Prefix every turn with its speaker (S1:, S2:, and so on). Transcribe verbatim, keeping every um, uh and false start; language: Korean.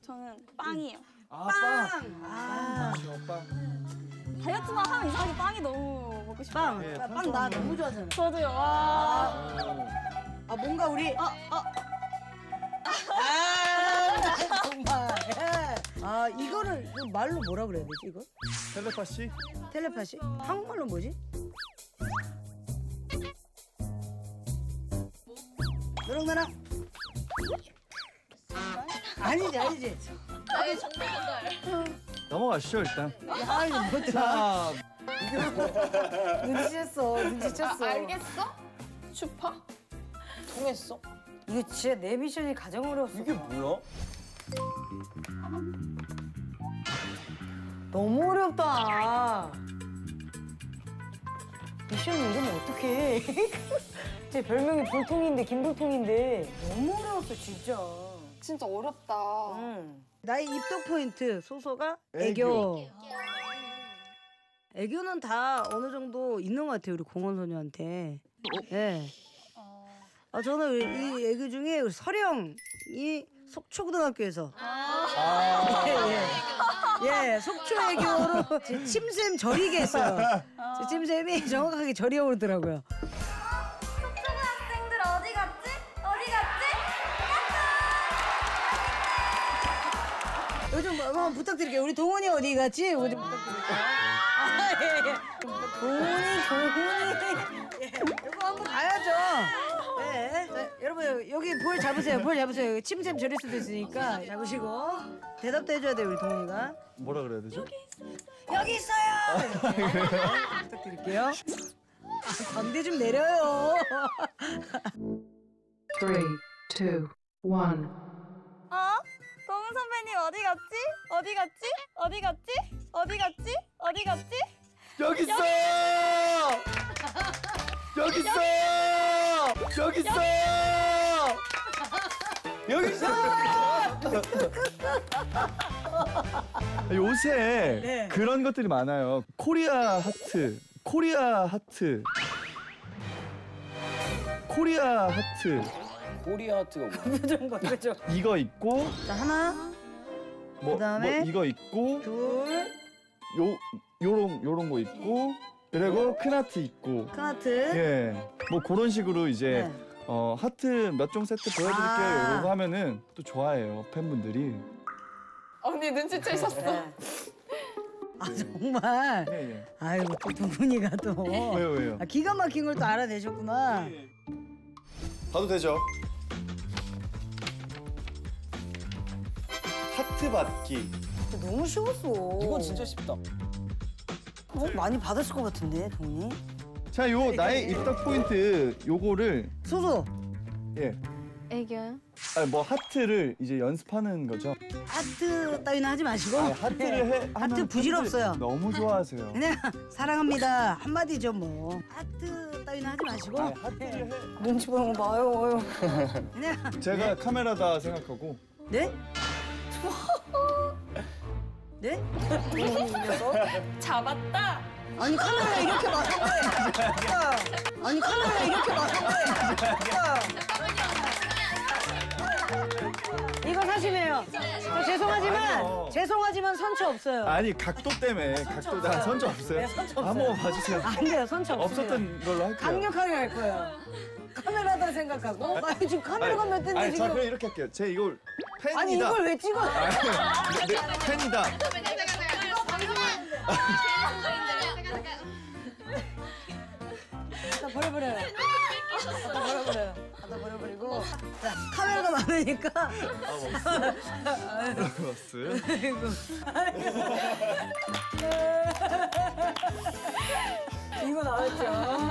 S1: 저는 빵이에요.
S2: 아,
S3: 빵!
S2: 빵!
S3: 아,
S2: 빵.
S1: 다이어트만 하면 이상하게 빵이 너무 먹고 싶어요.
S3: 빵!
S2: 예,
S3: 빵 나 너무 좋아하잖아.
S1: 저도요. 와.
S3: 아, 뭔가 우리.
S1: 어, 어.
S3: 아, 정말. 예. 아, 이거를 이거 말로 뭐라 그래야 되지, 이거?
S2: 텔레파시?
S3: 텔레파시? 한국말로 뭐지? 너랑 나랑. 아니지, 아니지.
S4: 나의 정보 전달.
S2: 넘어가시죠, 일단.
S3: 야, 이거 뭐더라?
S2: 자,
S3: 눈치챘어, 눈치챘어.
S4: 알겠어? 슈퍼?
S3: 통했어? 이거 진짜 내 미션이 가장 어려웠어.
S2: 이게 뭐야?
S3: 너무 어렵다. 미션 이러면 어떡해. 제 별명이 볼통인데, 김볼통인데. 너무 어려웠어, 진짜.
S4: 진짜 어렵다.
S3: 응. 나의 입덕 포인트, 소소가
S2: 애교.
S3: 애교. 애교는 다 어느 정도 있는 것 같아요, 우리 공원소녀한테. 예. 네. 아, 저는 이 애교 중에 우리 서령이 속초고등학교에서.
S2: 아.
S3: 예, 예. 예, 속초 애교로 제 침샘 저리게 했어요. 제 침샘이 정확하게 저리게 오르더라고요.
S1: 초등학생들 어디 갔지? 어디 갔지?
S3: 요즘 뭐, 한번 부탁드릴게요. 우리 동훈이 어디 갔지? 이거 좀 부탁드릴게요. 아, 예, 예. 동훈이, 동훈이. 예, 이거 한번 가야죠. 네. 자, 여러분, 여기 볼 잡으세요. 볼 잡으세요. 침샘 저릴 수도 있으니까 잡으시고. 대답도 해줘야 돼요, 우리 동훈이가.
S2: 뭐라 그래야 되죠?
S3: 여기 있어요! 네. 부탁드릴게요. 아, 광대 좀 내려요.
S5: Three, two, one.
S1: 어? 동훈 선배님 어디 갔지? 어디 갔지? 어디 갔지? 어디 갔지? 어디 갔지?
S2: 여기 있어! 여기 있어! 여기 있어! 여기 있어! 요새
S3: 네.
S2: 그런 것들이 많아요. 코리아 하트, 코리아 하트, 코리아 하트.
S6: 코리아 하트가 뭐야?
S3: 표정 봐, 표정.
S2: 이거 있고,
S3: 자, 하나,
S2: 뭐,
S3: 그다음에
S2: 뭐 이거 있고,
S3: 둘,
S2: 요 요런 요런 거 있고, 그리고 큰 하트 있고.
S3: 큰 하트.
S2: 예, 뭐 그런 식으로 이제
S3: 네.
S2: 어 하트 몇 종 세트 보여드릴게요.
S3: 아.
S2: 이러고 하면은 또 좋아해요 팬분들이.
S4: 언니 눈치채셨어.
S3: 네. 아, 정말.
S2: 예, 예.
S3: 아이고, 또 동훈이가 또.
S2: 왜요 왜요?
S3: 아, 기가 막힌 걸 또 알아내셨구나.
S2: 봐도 되죠. 하트 받기.
S3: 너무 쉬웠어.
S6: 이건 진짜 쉽다.
S3: 어, 많이 받았을 것 같은데, 동훈이.
S2: 자, 요 나의 입덕 포인트 요거를
S3: 소소.
S2: 예,
S4: 애교요?
S2: 아, 뭐 하트를 이제 연습하는 거죠.
S3: 하트 따위는 하지 마시고.
S2: 아, 하트를 해.
S3: 하트
S2: 하는
S3: 부질없어요.
S2: 팬들 너무 좋아하세요.
S3: 그냥 사랑합니다 한마디죠 뭐. 하트 따위는 하지 마시고.
S2: 아, 하트를 해.
S3: 눈치 보는 거 봐요. 그냥.
S2: 제가 카메라다 생각하고.
S3: 네? 네?
S4: 잡았다.
S3: 아니 카메라 이렇게 막았네. 아니 카메라 이렇게 막았네. 이거 사실이에요. 저 죄송하지만
S2: 아니요.
S3: 죄송하지만 선처 없어요.
S2: 아니 각도 때문에 각도 나 선처 없어요.
S3: 네, 선처 없어요.
S2: 한번 봐주세요.
S3: 안 돼요, 선처 없어요.
S2: 없었던 걸로 할게요.
S3: 강력하게 할 거예요. 카메라다 생각하고. 아 지금 카메라가 몇 대인데
S2: 아니,
S3: 지금.
S2: 자 그럼 이렇게 할게요. 제 이걸 팬이다.
S3: 아니 이걸 왜 찍어?
S2: 네, 팬이다.
S3: 다 버려버려요. 다 버려버려요. 다 버려버리고. 자 카메라가 많으니까.
S2: 플러스.
S3: 이거 나왔죠.